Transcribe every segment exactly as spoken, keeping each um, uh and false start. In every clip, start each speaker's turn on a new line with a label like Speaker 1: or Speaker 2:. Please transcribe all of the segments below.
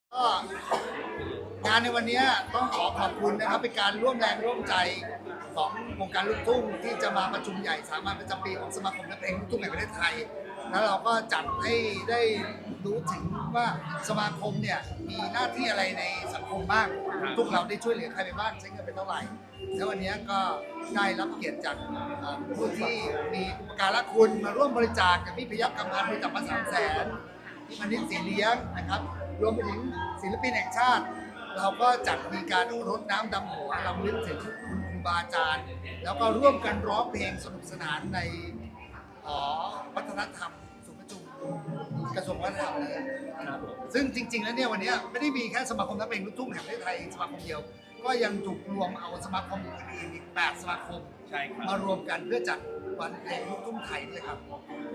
Speaker 1: ก็งานในวันนี้ต้องขอขอบคุณนะครับเป็นการร่วมแรงร่วมใจของวงการลูกทุ่งที่จะมาประชุมใหญ่สามัญประจำปีของสมาคมนักเพลงลูกทุ่งแห่งประเทศไทยแล้วเราก็จัดให้ได้รู้ถึงว่าสมาคมเนี่ยมีหน้าที่อะไรในสังคมบ้างทุกเราได้ช่วยเหลือใครไปบ้างใช้เงินไปเท่าไหร่แล้ววันนี้ก็ได้รับเกียรติจากผู้ที่มีอุปการะคุณมาร่วมบริจาคอย่างพี่พยัคฆ์กำพันธ์บริจาคมาสามแสนที่มณิษฐ์สีเลี้ยงนะครับรวมไปถึงศิลปินแห่งชาติเราก็จัดมีการรดน้ำดำหัวรำลึกถึงคุณครูบาอาจารย์แล้วก็ร่วมกันร้องเพลงสนุกสนานในหอวัฒนธรรมศูนย์ประชุมกระทรวงวัฒนธรรมนะครับซึ่งจริงๆแล้วเนี่ยวันนี้ไม่ได้มีแค่สมาคมนักเพลงลูกทุ่งแห่งประเทศไทยสมาคมเดียวก็ยังถูกรวมเอาสมาคมอื่นๆอีกแปดสมาคมมารวมกันเพื่อจัดวันเพลงลูกทุ่งไทยด้วยครับ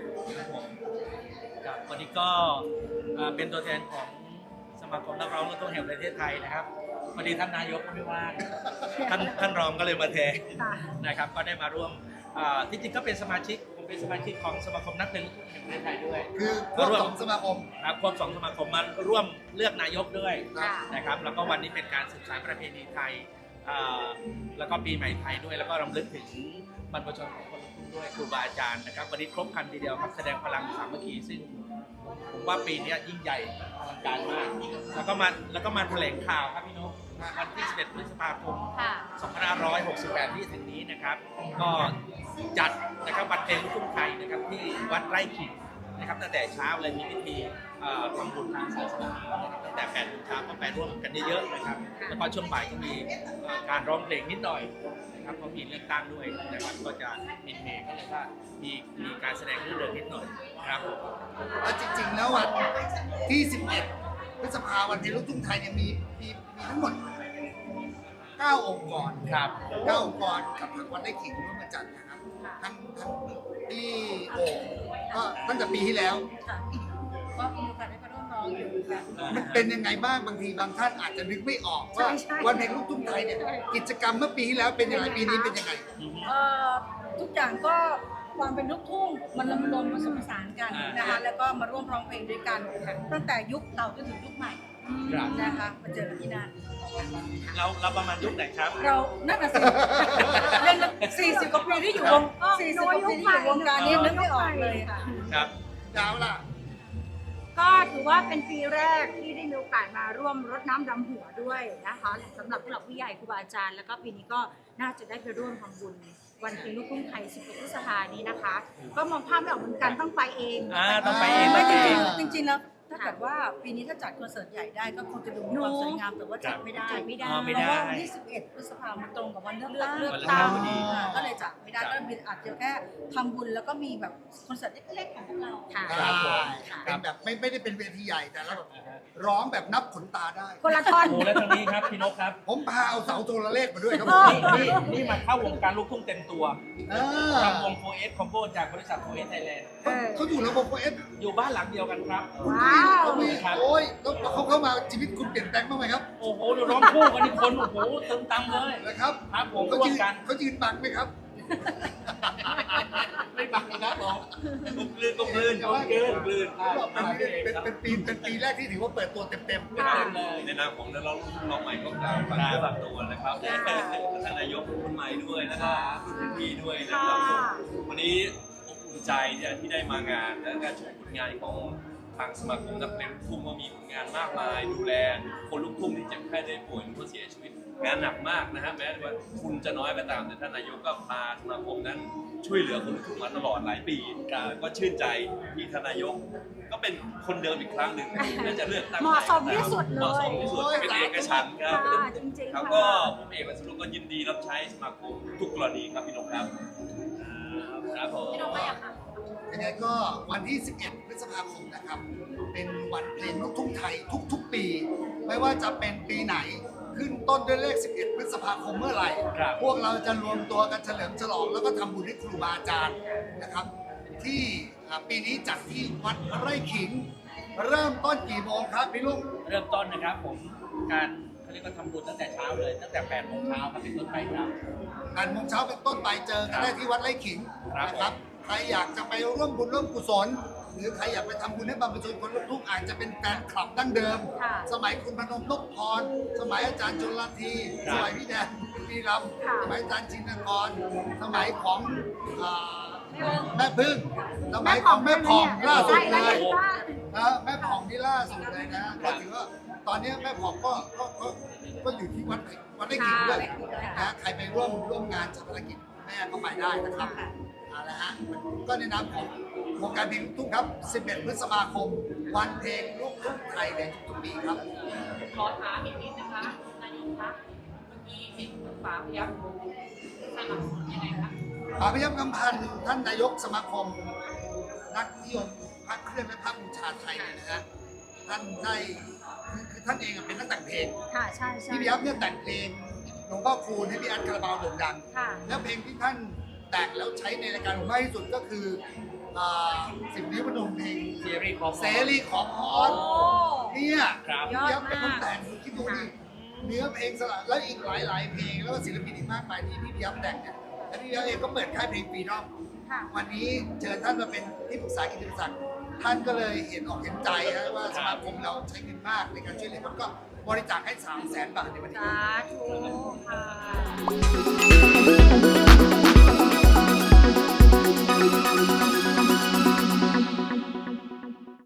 Speaker 2: ครับวันนี้ก็เป็นตัวแทนของสมาคมนักร้องลูกทุ่งแห่งประเทศไทยนะครับพอดีท่านนายกก็ไม่ว่างท่านท่านรองก็เลยมาแทนนะครับก็ได้มาร่วมที่จริงก็เป็นสมาชิกผมเป็นสมาชิกของสมาคมนักเพลงลูกทุ่งแห่งประเทศไทยด้วย
Speaker 1: คือควบสองสมาคม
Speaker 2: ครับควบสองสมาคมมาร่วมเลือกนายกด้วยนะครับแล้วก็วันนี้เป็นการสืบสานประเพณีไทยแล้วก็ปีใหม่ไทยด้วยแล้วก็รำลึกถึงบรรพชนของคนลูกทุ่งด้วยครูบาอาจารย์นะครับวันนี้ครบครันทีเดียวครับแสดงพลังสามัคคีซึ่งผมว่าปีนี้ยิ่งใหญ่อลังการมากแล้วก็มาแล้วก็มาแถลงข่าวครับพี่นกวันที่สิบเอ็ดพฤษภาคมสองพันห้าร้อยหกสิบแปดที่ถึงนี้นะครับก็จัดนะครับวันเพลงลูกทุ่งไทยนะครับที่วัดไร่ขิงนะครับตั้งแต่เช้าเลยมีพิธีทำบุญทางศาสนาตั้งแต่แปดโมงเช้าก็ไปร่วมกันเยอะๆนะครับแล้วพอช่วงบ่ายก็มีการร้องเพลงนิดหน่อยนะครับเพราะมีเลือกตั้งด้วยนะครับก็จะมินเมย์ก็เลยว่ามีมีการแสดงเรื่องเดินนิดหน่อยครับ
Speaker 1: แล้วจริงๆแล้ววันที่สิบเอ็ดพฤษภาวันเพลงลูกทุ่งไทยเนี่ยมีมีมีทั้งหมดเก้าองค์กร
Speaker 2: ครับ
Speaker 1: เก้าองค์กรกับทางวัดไร่ขิงร่วมกันจัดนะครับทั้งทั้งที่โอ่งก็ตั้งแต่ปีที่แล้ว
Speaker 3: ก็มีโอกาสได้ไปร่วมร้องอยู่ค่ะ
Speaker 1: มันเป็นยังไงบ้างบางทีบางท่านอาจจะนึกไม่ออกว่าวันเพลงลูกทุ่งไทยเนี่ยกิจกรรมเมื่อปีที่แล้วเป็นยังไงปีนี้เป็นยังไง
Speaker 3: เอ่อทุกอย่างก็ความเป็นลูกทุ่งมันรวมผสมผสานกันนะคะแล้วก็มาร่วมร้องเพลงด้วยกันตั้งแต่ยุคเก่าจนถึงยุคใหม่นะคะมาเจอกันที่นั่น
Speaker 2: เราเราประมาณยุคไหนครับ
Speaker 3: เรานั่นน่ะสิเล่นสี่สิบกว่าปีที่อยู่วงสี่สิบกว่าปีที่อยู่วงการนี้นึกไม่ออกเลยค่ะ
Speaker 2: ครับ
Speaker 1: ดาวล่ะ
Speaker 4: ก็ถือว่าเป็นปีแรกที่ได้มีโอกาสมาร่วมรดน้ำดำหัวด้วยนะคะสำหรับผู้หลักผู้ใหญ่ครูบาอาจารย์แล้วก็ปีนี้ก็น่าจะได้ไปร่วมทำบุญวันเพลงลูกทุ่งไทยสิบเอ็ดพฤษภาคมนี้นะคะก็มองภาพไม่ออกเหมือนกันต้องไปเอง
Speaker 2: ต้องไปเอง
Speaker 3: ไม่จริงจริงจริงแล้วถ้าเกิดว่าปีนี้ถ้าจัดคอนเสิร์ตใหญ่ได้ก็คงจะดูมีความสวยงามแต่ว่าจัดไม่ได้
Speaker 4: ไม่ได้
Speaker 3: เพราะว่าวันที่สิบเอ็ดพฤษภาคมมันตรงกับวันเลือกตั้งก็เลยจัดไม่ได้ก็อาจจะแค่ทำบุญแล้วก็มีแบบคอนเสิร์ตเล็กๆของพวกเรา
Speaker 4: ค่ะ
Speaker 1: เป็นแบบไม่ไม่ได้เป็นเวทีใหญ่แต่แล้วแบบร้องแบบนับขนตาได้
Speaker 4: คนละท่อน
Speaker 2: โอ้แล้วทางนี้ครับพี่นกครับ
Speaker 1: ผมพาเอาเสาโทรเลขมาด้วยครับ
Speaker 2: นี่นี่มาเข้าวงการลูกทุ่งเต็มตัวทำวงโฟเอสคอมโบจากบริษัทโฟเอสไทยแลนด์
Speaker 1: เขาอยู่ระบบโฟเอส
Speaker 2: อยู่บ้านหลังเดียวกันครับ
Speaker 4: ว้าว
Speaker 1: โอ้ยแล้วเขาเข้ามาชีวิตคุณเปลี่ยนแปลงบ้างไหมครับ
Speaker 2: โอ้โหร้องคู่กันนี่คนโอ้โหเติมตังเลย
Speaker 1: นะครับ
Speaker 2: ครับผม
Speaker 1: เขายืนเขายืนบังไหมครับ
Speaker 2: ไม่บังครับผมกุกลืนกุกลืนกุกลืนกุกลืน
Speaker 1: เป็นเป็นปีเป็นปีแรกที่ถือว่าเปิดตัวเต็มเต็ม
Speaker 2: เลยในนามของนักร้องน้องใหม่ก็กล่าวฝากเนื้อฝากตัวนะครับท่านนายกคนใหม่ด้วยนะครับรุ่นพี่ด้วยนะครับวันนี้อบอุ่นใจเนี่ยที่ได้มางานและการชมผลงานของทางสมาคมนักเพลงลูกทุ่งก็มีผลงานมากมายดูแลคนลูกทุ่งที่เจ็บไข้ได้ป่วยหรือว่าเสียชีวิตงานหนักมากนะฮะแม้ว่าทุนจะน้อยก็ตามแต่ท่านนายกก็พาสมาคมนั้นช่วยเหลือคนลูกทุ่งมาตลอดหลายปีก็ชื่นใจที่ท่านนายกก็เป็นคนเดิมอีกครั้งหนึ่งน่าจะเลือกตั้ง
Speaker 4: เหมาะสมที่สุดเลย
Speaker 2: เหมาะสมที่สุดเป็นเอกฉันท์ครับเขาก็ผมเอกวัสดุก็ยินดีรับใช้สมาคมทุกกรณีครับพี่นกครับครับผม
Speaker 1: ยังไงก็วันที่สิบเอ็ดพฤษภาคมนะครับเป็นวันเพลงลูกทุ่งไทยทุกๆปีไม่ว่าจะเป็นปีไหนขึ้นต้นด้วยเลขสิบเอ็ดพฤษภาคมเมื่อไหร่พวกเราจะรวมตัวกันเฉลิมฉลองแล้วก็ทำบุญให้ครูบาอาจารย์นะครับที่ปีนี้จัดที่วัดไร่ขิงเริ่มต้นกี่โมงครับพี่ลุง
Speaker 2: เริ่มต้นนะครับผมการเขาเรียกว่าทำบุญตั้งแต่เช้าเลยตั้งแต่แปดโมงเช้าครับเป็นต้นไปครับ
Speaker 1: แปดโมงเช้าเป็นต้นไปเจอกันได้ที่วัดไร่ขิงนะครับใครอยากจะไปร่วมบุญร่วมกุศลหรือใครอยากไปทำบุญให้บรรพชนคนลูกทุ่งอาจจะเป็นแฟนคลับดั้งเดิม
Speaker 4: ค่ะ
Speaker 1: สมัยคุณพนมนพพร สมัยอาจารย์ชลที
Speaker 2: ครับ
Speaker 1: สมัยพี่แดนพี่ร
Speaker 4: ค่ะ
Speaker 1: ำสมัยอาจารย์ชินกร สมัยของอ่าแม่พึ่ง สมัยของแม่ผ่องล่าสุดเลย นะแม่ผ่องนี่ล่าสุดเลยนะก็ถือว่าตอนนี้แม่ผ่องก็ก็ก็ก็อยู่ที่วัดวัดไร่ขิงด้วยนะใครไปร่วมร่วมงานชาปนกิจแม่ก็ไปได้นะครับเอาละฮะก็ในนามของวงการเพลงลูกทุ่งครับ สิบเอ็ด พฤษภาคม วันเพลงลูกทุ่งไทยในทุกๆปีครับ
Speaker 5: ขอถามอีกนิดนะคะนายกคะเมื่อกี้เห็นฝาพยัคฆ์สนับสนุนยังไงคะ
Speaker 1: ป่าพยัคฆ์กำพันธ์ท่านนายกสมาคม นักนิยมพระเครื่องและพระบูชาไทยเนี่ยนะฮะท่านได้คือคือท่านเองอะเป็นนักแต่งเพลง
Speaker 4: ค่ะใช่ใช่
Speaker 1: พี่พยัคฆ์เนี่ยแต่งเพลงหลวงพ่อคูณให้พี่อันคาราบาวโด่งดัง
Speaker 4: ค่ะ
Speaker 1: แล้วเพลงที่ท่านแต่งแล้วใช้ในรายการผมมากที่สุดก็คืออ่าสิบนิ้วพนมเพลง
Speaker 2: เซรีของ
Speaker 1: เสรีของฮอ
Speaker 4: โอ้
Speaker 1: นเนี่ย
Speaker 2: ครับ
Speaker 4: ยอด
Speaker 1: ยับเป็นคน
Speaker 4: มาก
Speaker 1: แต่งคิดดูดิเนื้อเพลงสลับแล้วอีกหลาย ๆ เพลงแล้วก็ศิลปินอีกมากมายที่พี่พยัคฆ์แต่งเนี่ยแล้วพี่พยัคฆ์เองก็เปิดค่ายเพลงฟรีดอม
Speaker 4: ค่ะ
Speaker 1: วันนี้เชิญท่านมาเป็นที่ปรึกษากิตติมศักดิ์ท่านก็เลยเห็นอกเห็นใจนะว่าสมาคมเราใช้เงินมากในการช่วยเหลือคนก็บริจาคให้สามแสนบาทในวันนี้
Speaker 4: สาธุค่ะ